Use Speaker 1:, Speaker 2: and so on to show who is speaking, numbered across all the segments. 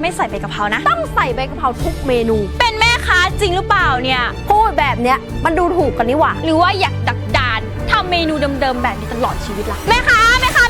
Speaker 1: ไม่ใส่ใบกะเพรานะ
Speaker 2: ต้องใส่ใบกะเพราทุกเมนู
Speaker 1: เป็นแม่ค้าจริงหรือเปล่าเนี่ย
Speaker 2: พูดแบบเนี้ยมันดูถูกกันนี่หว่า
Speaker 1: หรือว่าอยากดักดานทำเมนูเดิมๆแบบนี้ตลอดชีวิตล่ะแม่ค้า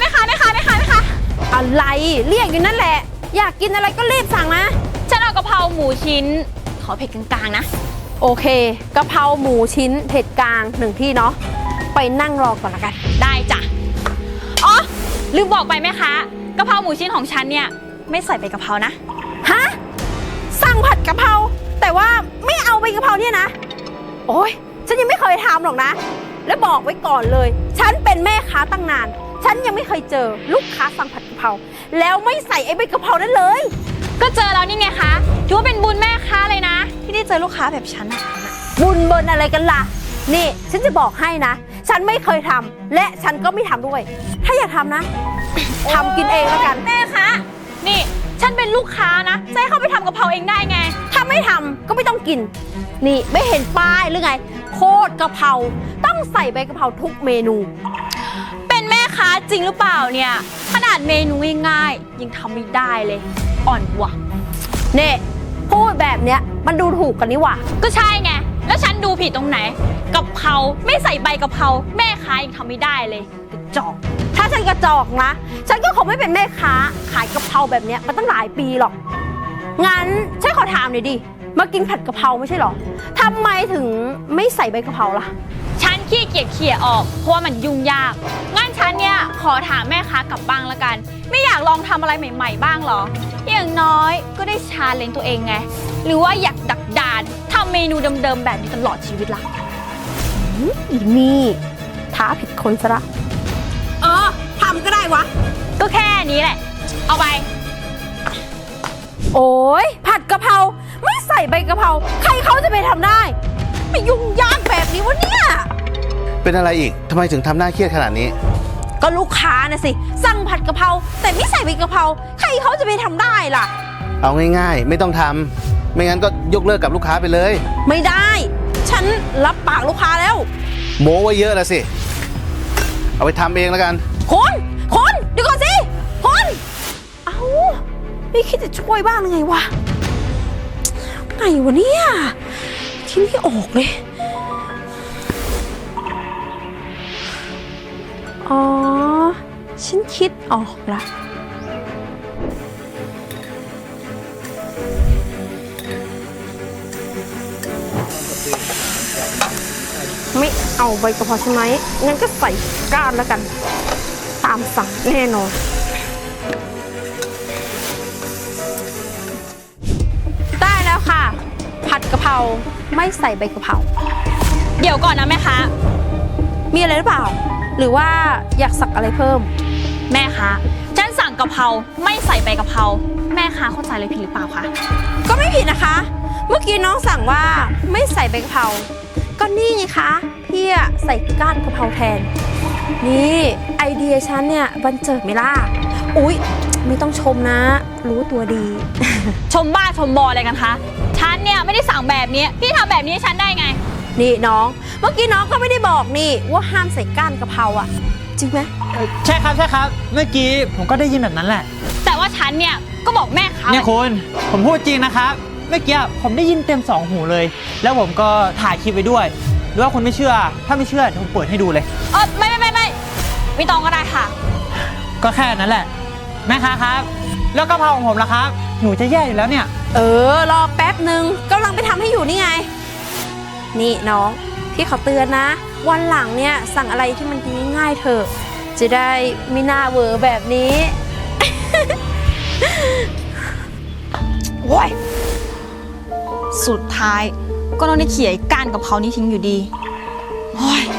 Speaker 2: อะไรเรียกอยู่นั่นแหละอยากกินอะไรก็รีบสั่งนะ
Speaker 1: ฉันเอากะเพราหมูชิ้นขอเผ็ดกลางๆนะ
Speaker 2: โอเคกะเพราหมูชิ้นเผ็ดกลาง1ที่เนาะไปนั่งรอก่อนละกัน
Speaker 1: ได้จ้ะอ๋อลืมบอกไปแม่ค้ากะเพราหมูชิ้นของฉันเนี่ยไม่ใส่ใบกะเพรานะ
Speaker 2: ฮะสั่งผัดกะเพราแต่ว่าไม่เอาใบกะเพราเนี่ยนะโอ๊ยฉันยังไม่เคยทำหรอกนะและบอกไว้ก่อนเลยฉันเป็นแม่ค้าตั้งนานฉันยังไม่เคยเจอลูกค้าสั่งผัดกะเพราแล้วไม่ใส่ไอ้ใบกะเพรานั้นเลย
Speaker 1: ก็เจอแล้วนี่ไงคะถือว่าเป็นบุญแม่ค้าเลยนะที่ได้เจอลูกค้าแบบฉันอะ
Speaker 2: บุญเบินอะไรกันล่ะนี่ฉันจะบอกให้นะฉันไม่เคยทำและฉันก็ไม่ทำด้วยถ้าอยากทำนะทำกินเองแล้วกัน
Speaker 1: แม่คะนี่ฉันเป็นลูกค้านะจะให้เข้าไปทำกะเพราเองได้ไง
Speaker 2: ถ้าไม่ทำก็ไม่ต้องกินนี่ไม่เห็นป้ายหรือไงโคตรกะเพราต้องใส่ใบกะเพราทุกเมนู
Speaker 1: เป็นแม่ค้าจริงหรือเปล่าเนี่ยขนาดเมนูง่ายๆยังทำไม่ได้เลยอ่อนว่ะ
Speaker 2: เน่พูดแบบเนี้ยมันดูถูกกันนี่หว่า
Speaker 1: ก็ใช่ไงแล้วฉันดูผิดตรงไหนกะเพราไม่ใส่ใบกะเพราแม่ค้ายังทำไม่ได้เลยกระจอก
Speaker 2: ถ้าฉันกระจอกนะฉันก็คงไม่เป็นแม่ค้าขายกะเพราแบบเนี้ยมาตั้งหลายปีหรอกงั้นฉันขอถามหน่อยดิมากินผัดกะเพราไม่ใช่หรอทำไมถึงไม่ใส่ใบกะเพราล่ะ
Speaker 1: ฉันขี้เกียจเขี่ยออกเพราะว่ามันยุ่งยากงั้นฉันเนี่ยขอถามแม่ค้ากลับบ้างละกันไม่อยากลองทำอะไรใหม่ๆบ้างหรออย่างน้อยก็ได้ชาเลนจ์ตัวเองไงหรือว่าอยากดักดานทำเมนูเดิมๆแบบนี้ตลอดชีวิตล่ะ
Speaker 2: อีนี่ท้าผิดคนซะละทำก็ได้วะ
Speaker 1: ก็แค่นี้แหละเอาไป
Speaker 2: โอ้ยผัดกะเพราไม่ใส่ใบกะเพราใครเขาจะไปทำได้ไม่ยุ่งยากแบบนี้วะเนี่ย
Speaker 3: เป็นอะไรอีกทำไมถึงทำหน้าเครียดขนาดนี้
Speaker 2: ก็ลูกค้านะสิสั่งผัดกะเพราแต่ไม่ใส่ใบกะเพราใครเขาจะไปทำได้ล่ะ
Speaker 3: เอาง่ายๆไม่ต้องทำไม่งั้นก็ยกเลิกกับลูกค้าไปเลย
Speaker 2: ไม่ได้ฉันรับปากลูกค้าแล้ว
Speaker 3: โม้ไว้เยอะแล้วสิเอาไปทำเองแล้วกัน
Speaker 2: คนเดี๋ยวก่อนสิคนเอาไม่คิดจะช่วยบ้างไงวะไงวะเนี่ยคิดไม่ออกเลยอ๋อฉันคิดออกละไม่เอาใบกะเพราใช่ไหมงั้นก็ใส่ก้านแล้วกันตามสั่งแน่นอนได้แล้วค่ะผัดกะเพราไม่ใส่ใบกะเพรา
Speaker 1: เดี๋ยวก่อนนะแม่ค้า
Speaker 2: มีอะไรหรือเปล่าหรือว่าอยากสั่งอะไรเพิ่ม
Speaker 1: แม่ค้าฉันสั่งกะเพราไม่ใส่ใบกะเพราแม่ค้าเข้าใจเลยผิดหรือเปล่าคะ
Speaker 2: ก็ไม่ผิดนะคะเมื่อกี้น้องสั่งว่าไม่ใส่ใบกะเพราก็นี่ไงคะพี่ใส่ก้านกะเพราแทนนี่ไอเดียฉันเนี่ยบันเจิดไหมล่ะอุ๊ยไม่ต้องชมนะรู้ตัวดี
Speaker 1: ชมบ้าชมบออะไรกันคะฉันเนี่ยไม่ได้สั่งแบบนี้พี่ทำแบบนี้ฉันได้ไง
Speaker 2: นี่น้องเมื่อกี้น้องก็ไม่ได้บอกนี่ว่าห้ามใส่ก้านกะเพราอ่ะจริงไหม
Speaker 4: ใช่ครับเมื่อกี้ผมก็ได้ยินแบบนั้นแหละ
Speaker 1: แต่ว่าฉันเนี่ยก็บอกแม่ค้า
Speaker 4: เนี่ยคุณผมพูดจริงนะครับเมื่อกี้ผมได้ยินเต็ม2หูเลยแล้วผมก็ถ่ายคลิปไว้ด้วยหรือว่าคุณไม่เชื่อถ้าไม่เชื่อผมเปิดให้ดูเลย
Speaker 1: ไม่ต้องก็ได้ค่ะ
Speaker 4: ก็แค่นั้นแหละแม่ค้าครับแล้วกะเพราของผมล่ะครับหนูจะแย่อยู่แล้วเนี่ย
Speaker 2: รอแป๊บนึงกำลังไปทำให้อยู่นี่ไงนี่น้องพี่ขอเตือนนะวันหลังเนี่ยสั่งอะไรที่มันง่ายๆเถอะจะได้ไม่น่าเวอร์แบบนี้
Speaker 1: โว้ยสุดท้ายก็ต้องได้เขี่ยก้านกะเพรานี้ทิ้งอยู่ดีโอ้ย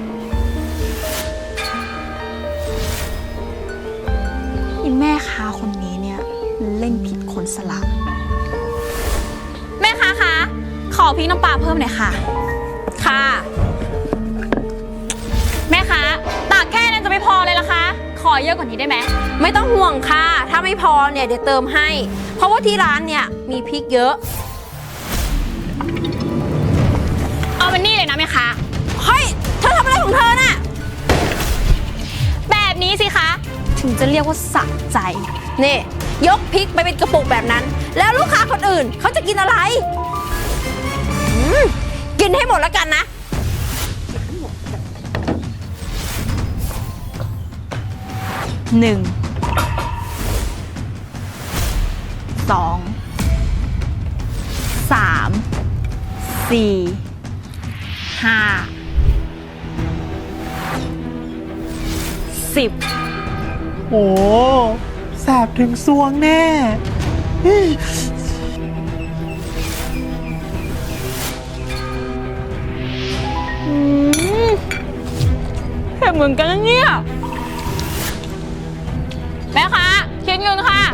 Speaker 1: แม่ค้าคนนี้เนี่ยเล่นผิดคนสละแม่ค้าคะขอพริกน้ำปลาเพิ่มหน่อยค่ะ
Speaker 2: ค่ะ
Speaker 1: แม่ค้าตากแค่นั้นจะไม่พอเลยล่ะคะขอเยอะกว่านี้ได้ไหม
Speaker 2: ไม่ต้องห่วงค่ะถ้าไม่พอเนี่ยเดี๋ยวเติมให้เพราะว่าที่ร้านเนี่ยมีพริกเยอะ
Speaker 1: เอามันนี่เลยนะแม่ค้า
Speaker 2: เฮ้ยเธอทำอะไรของเธอน่ะ
Speaker 1: แบบนี้สิคะถึงจะเรียกว่าสะใจ
Speaker 2: นี่ยกพริกไปเป็นกระปุกแบบนั้น แล้วลูกค้าคนอื่นเขาจะกินอะไรกินให้หมดแล้วกันนะ
Speaker 1: 1 2 3 4 5 10
Speaker 4: โอ้แสบถึงซวงแน่
Speaker 1: เผ็ดเหมือนกันนะเนี่ยแม่คะคิดเงินค่ะ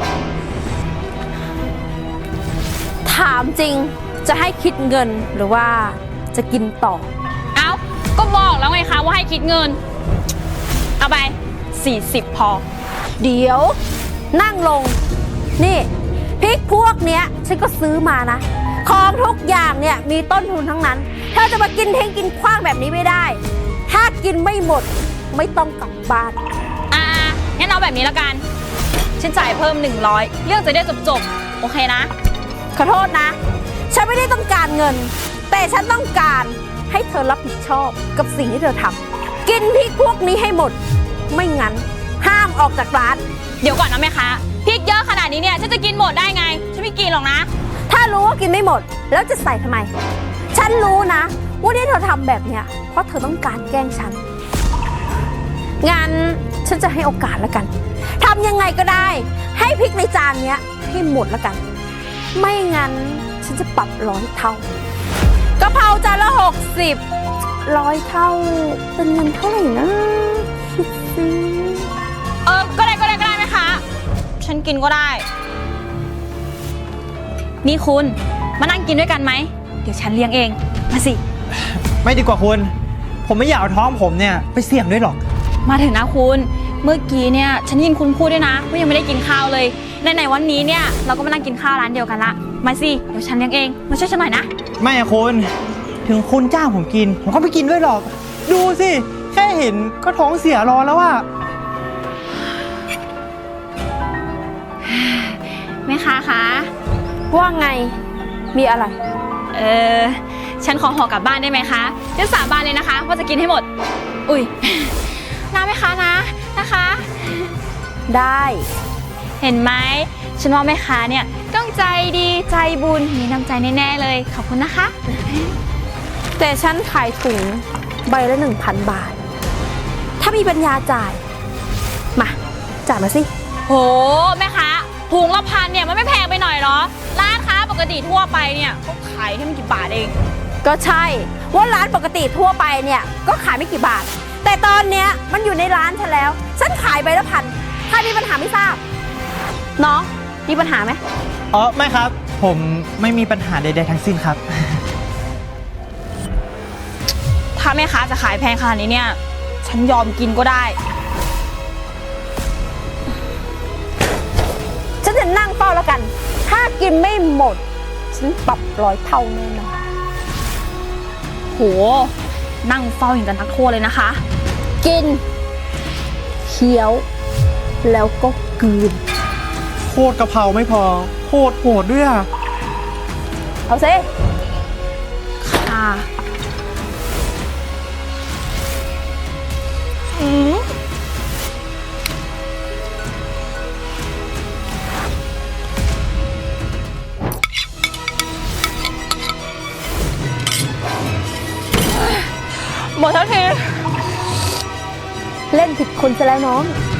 Speaker 2: ถามจริงจะให้คิดเงินหรือว่าจะกินต่อ
Speaker 1: เอ้า ก็บอกแล้วไงคะว่าให้คิดเงิน เอาไป 40 พอ
Speaker 2: เดี๋ยวนั่งลง นี่พริกพวกเนี้ยฉันก็ซื้อมานะ ของทุกอย่างเนี่ยมีต้นทุนทั้งนั้นเธอจะมากินเทงกินขว้างแบบนี้ไม่ได้ ถ้ากินไม่หมดไม่ต้องกลับบ้าน
Speaker 1: งั้นเอาแบบนี้แล้วกัน ฉันจ่ายเพิ่ม 100 เรื่องจะได้จบๆ โอเคนะ
Speaker 2: ขอโทษนะ ฉันไม่ได้ต้องการเงิน แต่ฉันต้องการให้เธอรับผิดชอบกับสิ่งที่เธอทำกินพริกพวกนี้ให้หมด ไม่งั้นห้ามออกจากร้าน
Speaker 1: เดี๋ยวก่อนนะแม่ค้าพริกเยอะขนาดนี้เนี่ย ฉันจะกินหมดได้ไง ฉันไม่กินหรอกนะ
Speaker 2: ถ้ารู้ว่ากินไม่หมด แล้วจะใส่ทำไม ฉันรู้นะว่าที่เธอทำแบบเนี้ยเพราะเธอต้องการแกล้งฉันงั้นฉันจะให้โอกาสแล้วกันทำยังไงก็ได้ ให้พริกในจานเนี้ยให้หมดแล้วกัน ไม่งั้นฉันจะปรับ100 เท่ากะเพราจานละ60 100 เท่าเป็นเงินเท่าไหร่นะคิดสิ
Speaker 1: ก็ได้แม่ค้าฉันกินก็ได้ นี่คุณมานั่งกินด้วยกันไหม เดี๋ยวฉันเลี้ยงเอง มาสิ
Speaker 4: ไม่ดีกว่าคุณ ผมไม่อยากเอาท้องผมเนี่ยไปเสี่ยงด้วยหรอก
Speaker 1: มาเถอะนะคุณ เมื่อกี้เนี่ยฉันยินคุณพูดด้วยนะว่ายังไม่ได้กินข้าวเลยในวันนี้เนี่ยเราก็มานั่งกินข้าวร้านเดียวกันละ มาสิ เดี๋ยวฉันเลี้ยงเอง มาช่วยฉันหน่อยนะ
Speaker 4: ไม่อะคุณ ถึงคุณจ้างผมกิน ผมก็ไม่กินด้วยหรอก ดูสิ แค่เห็นก็ท้องเสียรอแล้วอะ
Speaker 1: แม่ค้าคะ
Speaker 2: ว่าไงมีอะไร
Speaker 1: ฉันขอห่อกลับบ้านได้ไหมคะฉันสาบานเลยนะคะว่าจะกินให้หมด อุ้ย นะแม่ค้านะคะ
Speaker 2: ได้
Speaker 1: เห็นไหมฉันว่าแม่ค้าเนี่ยต้องใจดีใจบุญมีน้ำใจแน่ๆเลยขอบคุณนะคะ
Speaker 2: แต่ฉันขายถุงใบละ 1,000 บาท ถ้ามีปัญญาจ่าย มาจ่ายมาสิ
Speaker 1: โหแม่ค้าถุงละ1,000เนี่ยมันไม่แพงไปหน่อยเหรอร้านค้าปกติทั่วไปเนี่ยเขาขายแค่ไม่กี่บาทเอง
Speaker 2: ก็ใช่ว่าร้านปกติทั่วไปเนี่ยก็ขายไม่กี่บาท แต่ตอนเนี้ยมันอยู่ในร้านฉันแล้ว ฉันขายใบละ1,000ถ้ามีปัญหาไม่ทราบ น้องมีปัญหาไหม
Speaker 4: อ๋อไม่ครับ ผมไม่มีปัญหาใดๆทั้งสิ้นครับ
Speaker 1: ถ้าแม่ค้าจะขายแพงขนาดนี้เนี่ยฉันยอมกินก็ได้
Speaker 2: ฉันจะนั่งเฝ้าแล้วกัน ถ้ากินไม่หมด ฉันปรับ100 เท่าแน่นอน
Speaker 1: โหนั่งเฝ้าอย่างกันนักโทษเลยนะคะ
Speaker 2: กินเคี้ยว แล้วก็กลืน
Speaker 4: โคตรกะเพราไม่พอ โคตรโหดด้วยอะ
Speaker 2: เอาซิ
Speaker 1: ค่ะหมดทันที
Speaker 2: เล่นผิดคนซะแล้วน้อง